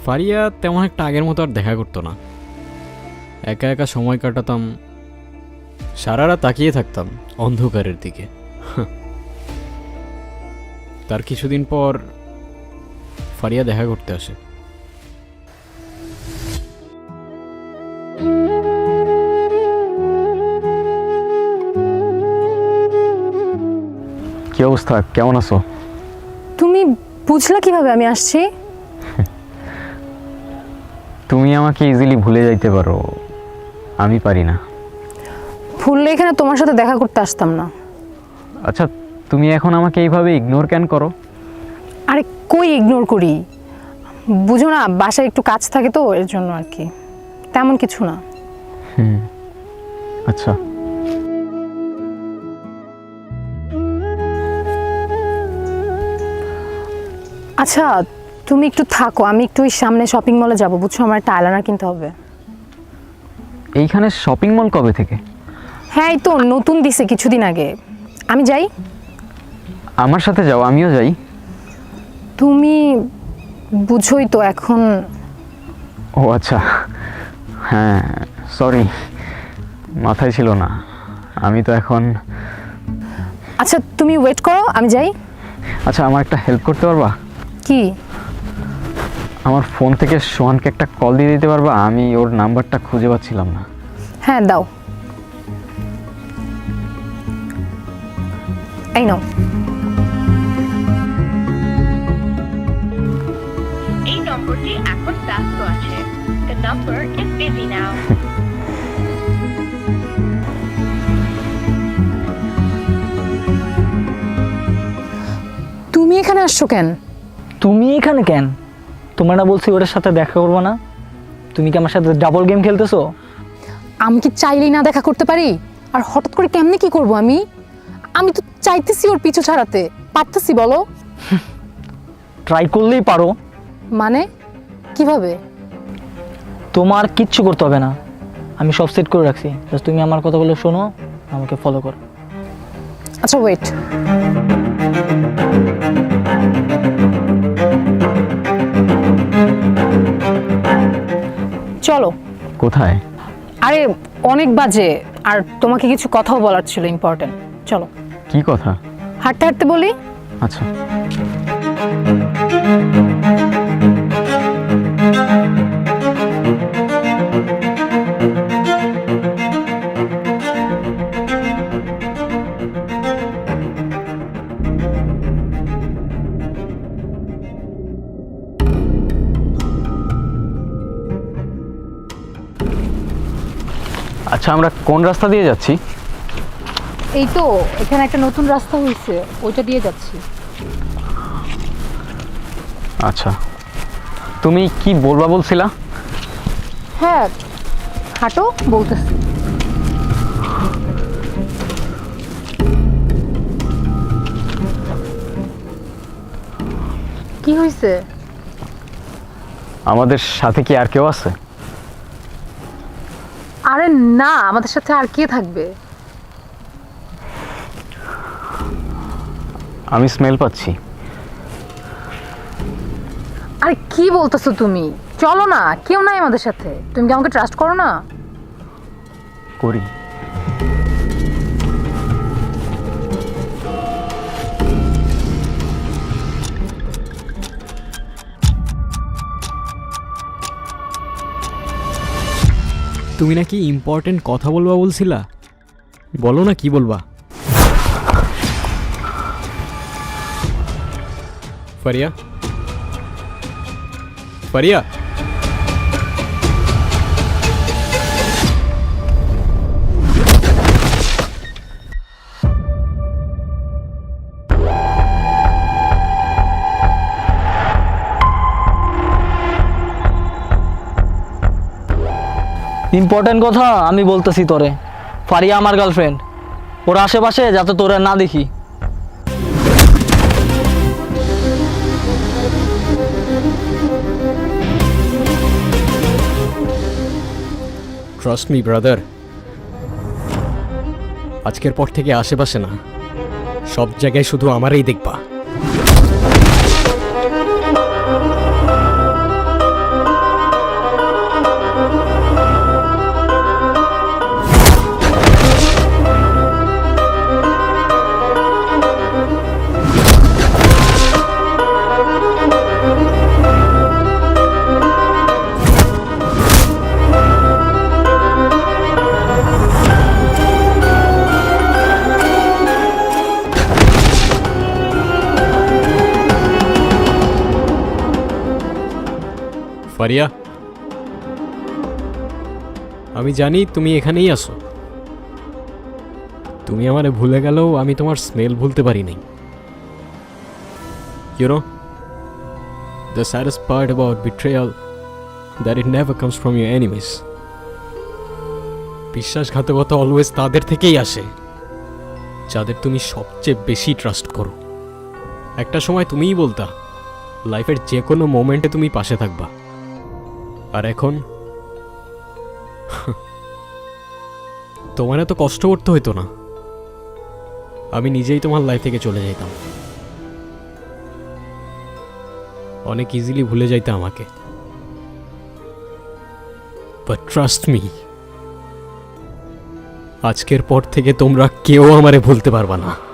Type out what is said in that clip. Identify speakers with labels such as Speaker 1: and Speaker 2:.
Speaker 1: ফারিয়া তেমন একটা আগের মতো আর দেখা করতো না। একা একা সময় কাটাতাম, সারা রাত তাকিয়ে থাকতাম অন্ধকারের দিকে। তার কিছুদিন পর ফারিয়া দেখা করতে আসে।
Speaker 2: কি অবস্থা, কেমন আছো?
Speaker 3: তুমি বুঝলা কিভাবে আমি আসছি?
Speaker 2: তুমি আমাকে ইজিলি ভুলে যাইতে পারো, আমি পারি না।
Speaker 3: ভুললে এখানে তোমার সাথে দেখা করতে আসতাম না।
Speaker 2: আচ্ছা, তুমি এখন আমাকে এইভাবে ইগনোর কেন করো?
Speaker 3: আরে কই ইগনোর করি, বুঝো না বাসায় একটু কাজ থাকে তো এর জন্য আর কি, তেমন কিছু না।
Speaker 2: আচ্ছা,
Speaker 3: আচ্ছা তুমি একটু থাকো, আমি একটু ওই সামনে শপিং মলে যাবো, বুঝছো আমার একটা আইলাইনার কিনতে হবে।
Speaker 2: এইখানে শপিং মল কবে থেকে?
Speaker 3: হ্যাঁ এই তো নতুন দিছে কিছুদিন আগে। আমি যাই?
Speaker 2: আমার সাথে যাও, আমিও যাই।
Speaker 3: তুমি বুঝোই তো এখন।
Speaker 2: ও আচ্ছা, হ্যাঁ সরি, মাথায় ছিল না। আমি তো এখন।
Speaker 3: আচ্ছা তুমি ওয়েট করো, আমি যাই।
Speaker 2: আচ্ছা, আমার একটা হেল্প করতে পারবা?
Speaker 3: কি?
Speaker 2: আমার ফোন থেকে সোহানকে একটা কল দিয়ে দিতে পারবা? আমি ওর নাম্বারটা খুঁজে পাচ্ছিলাম না।
Speaker 3: হ্যাঁ দাও, এই নাও।
Speaker 4: এই নম্বরটি এখন ব্যস্ত আছে। The number is busy now.
Speaker 3: তুমি এখানে আসছো কেন?
Speaker 5: তুমি এখানে কেন? তোমার না বলছি ওটার সাথে দেখা করবো না? তুমি কি আমার সাথে ডাবল গেম খেলতেছো?
Speaker 3: আমি কি চাইলেই না দেখা করতে পারি? আর হঠাৎ করে কেমনে কি করব আমি? আমি তো চাইতেছি ওর পিছু ছাড়াতে, পারতেছি বলো?
Speaker 5: ট্রাই করলেই পারো।
Speaker 3: মানে কিভাবে?
Speaker 5: তোমার কিচ্ছু করতে হবে না, আমি সব সেট করে রাখছি। জাস্ট তুমি আমার কথাগুলো শোনো, আমাকে ফলো করো।
Speaker 3: আচ্ছা ওয়েট। চলো।
Speaker 2: কোথায়?
Speaker 3: আরে অনেক বাজে, আর তোমাকে কিছু কথাও বলার ছিল ইম্পর্টেন্ট। চলো।
Speaker 2: কি কথা?
Speaker 3: হাঁটতে হাঁটতে বলি।
Speaker 2: আচ্ছা, আচ্ছা আমরা কোন রাস্তা দিয়ে যাচ্ছি?
Speaker 3: এই তো এখানে একটা নতুন রাস্তা হয়েছে, ওইটা দিয়ে যাচ্ছি।
Speaker 2: আচ্ছা, তুমি কি বলবা বলছিলা?
Speaker 3: হ্যাঁ হাঁটো বলতেছি। কি হয়েছে?
Speaker 2: আমাদের সাথে কি আর কেউ আছে?
Speaker 3: আরে না, আমাদের সাথে আর কে থাকবে?
Speaker 2: আমি স্মেল পাচ্ছি।
Speaker 3: আরে কি বলতেছো তুমি? চলো না, কেউ নাই আমাদের সাথে। তুমি কি আমাকে ট্রাস্ট করো না?
Speaker 2: করি।
Speaker 1: তুমি নাকি ইম্পর্টেন্ট কথা বলবা বলছিলা, বলো না কি বলবা। ফারিয়া, ফারিয়া,
Speaker 5: ইম্পর্টেন্ট কথা আমি বলতেছি তোরে। ফারিয়া আমার গার্লফ্রেন্ড, ওর আশেপাশে যাতে তোরা না দেখি।
Speaker 1: ট্রাস্ট মি ব্রাদার, আজকের পর থেকে আশেপাশে না, সব জায়গায় শুধু আমারই দেখবা। পারিয়া, আমি জানি তুমি এখানেই আসো। তুমি আমারে ভুলে গেলেও আমি তোমার স্মেল ভুলতে পারি নাই। You know, the saddest part about betrayal that it never comes from your enemies. বিশ্বাসঘাতকতা অলওয়েজ তাদের থেকেই আসে যাদের তুমি সবচেয়ে বেশি ট্রাস্ট করো। একটা সময় তুমিই বলতা লাইফের যে কোনো মোমেন্টে তুমি পাশে থাকবা, আর এখন তোমার এত কষ্ট করতে হইতো না, আমি নিজেই তোমার লাইফ থেকে চলে যাইতাম। অনেক ইজিলি ভুলে যাইতে আমাকে, বাট ট্রাস্ট মি, আজকের পর থেকে তোমরা কেউ আমারে ভুলতে পারবা না।